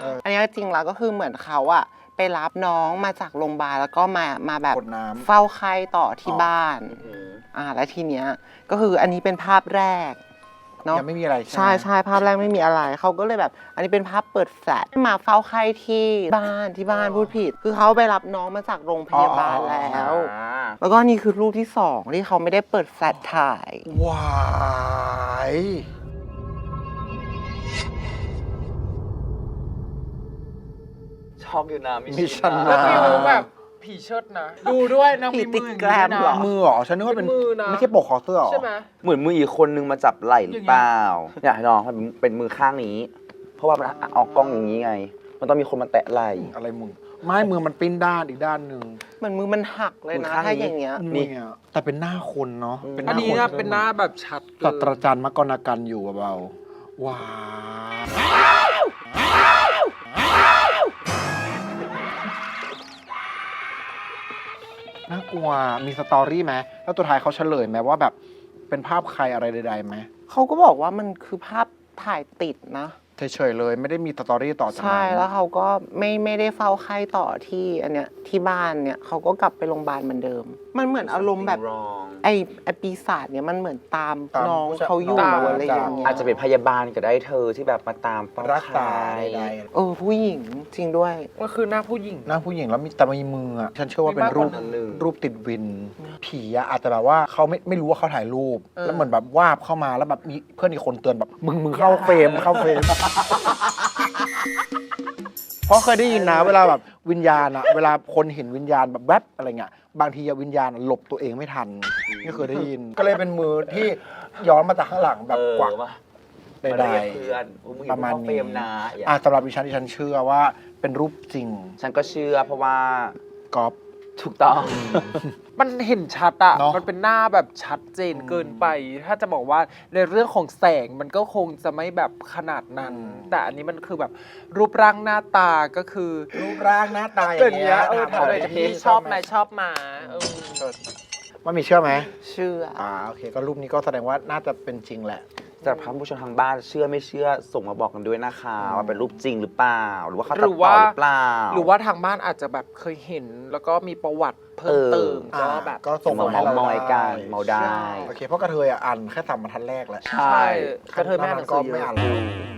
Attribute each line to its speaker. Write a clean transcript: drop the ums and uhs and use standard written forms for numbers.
Speaker 1: อันนี้จริงแล้วก็คือเหมือนเขาอะไปรับน้องมาจากโรงพยาบาลแล้วก็มาแบบเฝ้าไข้ต่อที่บ้านแล้วทีเนี้ยก็คืออันนี้เป็นภาพแรกเนาะ
Speaker 2: ยังไม่มีอะไร
Speaker 1: ใช่ภาพแรกไม่มีอะไรเขาก็เลยแบบอันนี้เป็นภาพเปิดแฟลชมาเฝ้าไข้ที่บ้านพูดผิดคือเขาไปรับน้องมาจากโรงพยาบาลแล้วก็นี่คือรูปที่2ที่เขาไม่ได้เปิดแฟลชถ่าย
Speaker 2: ว้าย
Speaker 3: ชอบอยู่นะ
Speaker 2: มิชัน
Speaker 4: แล้
Speaker 2: นะ
Speaker 4: วฟิลแบบผีเชิดนะดูด้วยนางมีมืออย่างนี้นะ
Speaker 2: มือเหรอฉันนึกว่าเป็นไม่ใช่ปกคอเสื้อหรอ
Speaker 4: ใช่ไหม
Speaker 3: เหมือนมืออีกคนนึงมาจับไหล่หรือเปล่าอยากให้น้องเป็นมือข้างนี้ เพราะว่ามันออกกล้องอย่างนี้ไง มันต้องมีคนมาแตะไหล่
Speaker 2: อะไรมึงไม่มือมันปิ้นด้านอีกด้านหนึ่ง
Speaker 1: เหมือนมือมันหักเลยนะถ้าอย่างเงี้ย
Speaker 2: นี่แต่เป็นหน้าคนเนาะ
Speaker 4: อันนี้นะเป็นหน้าแบบชัด
Speaker 2: ศาสตราจารย์มกรณกันอยู่เบาๆว้าวน่ากลัวมีสตอรี่ไหมแล้วตัวท้ายเขาเฉลยไหมว่าแบบเป็นภาพใครอะไรใดๆไหม
Speaker 1: เขาก็บอกว่ามันคือภาพถ่ายติดนะ
Speaker 2: เฉยๆเลยไม่ได้มีสตอรี่ต่อจากนั้น
Speaker 1: ใช่แล้วเขาก็ไม่ได้เฝ้าไข้ต่อที่อันเนี้ยที่บ้านเนี่ยเขาก็กลับไปโรงพยาบาลเหมือนเดิมมันเหมือนอารมณ์แบบไอ้ปีศาจเนี่ยมันเหมือนตามน้องเขาอยู่อะไรอย่างเงี้ย
Speaker 3: อาจจะเป็นพยาบาลก็ได้เธอที่แบบมาตาม
Speaker 2: รักษาใด
Speaker 1: ๆผู้หญิงจริงด้วย
Speaker 4: ก็คือหน้าผู้หญิง
Speaker 2: แล้วมีแต่มีมืออ่ะฉันเชื่อว่าเป็นรูปติดวินผีอะอาจจะแบบว่าเขาไม่รู้ว่าเขาถ่ายรูปแล้วเหมือนแบบวาบเข้ามาแล้วแบบมีเพื่อนอีกคนเตือนแบบมึงเข้าเฟรมเพราะเคยได้ยินนะเวลาแบบวิญญาณอะเวลาคนเห็นวิญญาณแบบแวบอะไรเงี้ยบางทีวิญญาณหลบตัวเองไม่ทันนี่เคยได้ยินก็เลยเป็นมือที่ย้อนมาจากข้างหลังแบบกวักใดๆประมาณนี้สำหรับดิฉันเชื่อว่าเป็นรูปจริง
Speaker 3: ฉันก็เชื่อเพราะว่า
Speaker 2: ก๊อฟ
Speaker 3: ถูกต้อง
Speaker 4: มันเห็นชัดอะมันเป็นหน้าแบบชัดเจนเกินไปถ้าจะบอกว่าในเรื่องของแสงมันก็คงจะไม่แบบขนาดนั้นแต่อันนี้มันคือแบบรูปร่างหน้าตาก็คือ
Speaker 2: รูปร่างหน้าตาอย่างเงี้ย
Speaker 4: ถามเลยพี่ชอบไหมชอบมา
Speaker 2: ว่ามีเชื่อไหม
Speaker 1: เชื่อ
Speaker 2: โอเคก็รูปนี้ก็แสดงว่าน่าจะเป็นจริงแหละ
Speaker 3: แต่ท่านผู้ชมทางบ้านเชื่อไม่เชื่อส่งมาบอกกันด้วยนะคะว่าเป็นรูปจริงหรือเปล่าหรือว่าเขาตัดต่อหรือเปล่า
Speaker 4: หรือว่าทางบ้านอาจจะแบบเคยเห็นแล้วก็มีประวัติเพิ่มเติมก็แบบ
Speaker 2: ก็ส่งมา
Speaker 3: เมอยกันเมาได้
Speaker 2: โอเคเพราะกระเทยอ่านแค่3 บรรทัดแรกแหละ
Speaker 4: ใช่กระเทยไม่อ่าน
Speaker 2: ก็ไม่อ่านแล้ว